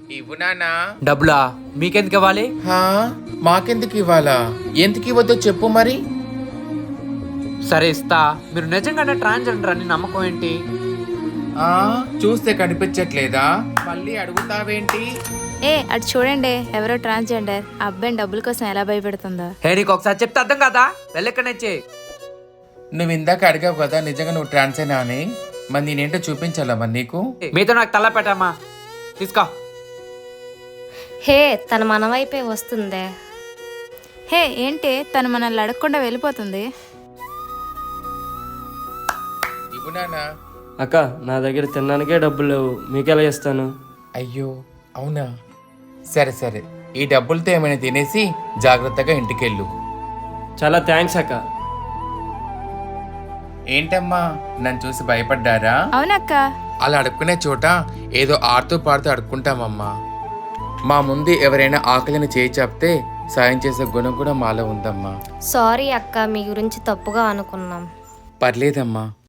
ఇవ్వు నానా. డబ్బులా మీకెందుకు ఇవ్వాలి? మాకెందుకు ఇవ్వాలా? ఎందుకు ఇవ్వద్దో చెప్పు మరి. సరే ఇస్తా. మీరు నిజంగానే ట్రాన్స్జెండర్ అని నమ్మకం ఏంటి? చూస్తే కనిపించట్లేదా? మళ్ళీ అడుగుతావేంటి? అటు చూడండి, ఎవరో ట్రాన్స్జెండర్ అబ్బాయిని డబ్బుల కోసం ఎలా భయపెడుతుందో. నీకు ఒకసారి చెప్తే అర్థం కదా, వెళ్ళెక్కడొచ్చే. నువ్వు ఇందాక అడిగావు కదా నిజంగా నువ్వు ట్రాన్సేనా అని. మరి నేనేంటో చూపించాలా మరి నీకు? మీతో నాకు తల పెట్టమ్మా, తీసుకో. తన మన వైపే వస్తుందే. ఏంటి తను మనల్ని అడగకుండా వెళ్ళిపోతుంది? ఇవ్వు నానా. అక్క, నా దగ్గర తినడానికే డబ్బులు లేవు, మీకెలా ఇస్తాను? అయ్యో అవునా, సరే సరే, ఈ డబ్బులతో ఏమైనా తినేసి జాగ్రత్తగా ఇంటికెళ్ళు. చాలా థ్యాంక్స్ అక్క. ఏంటమ్మా నన్ను చూసి భయపడ్డారా? అవునక్క. అలా అడుక్కునే చోట ఏదో ఆడుతూ పాడుతూ అడుక్కుంటామమ్మా. మా ముందు ఎవరైనా ఆకలిని చేయి చెప్తే సాయం చేసే గుణం కూడా మాలో ఉందమ్మా. సారీ అక్క, మీ గురించి తప్పుగా అనుకున్నాం. పర్లేదమ్మా.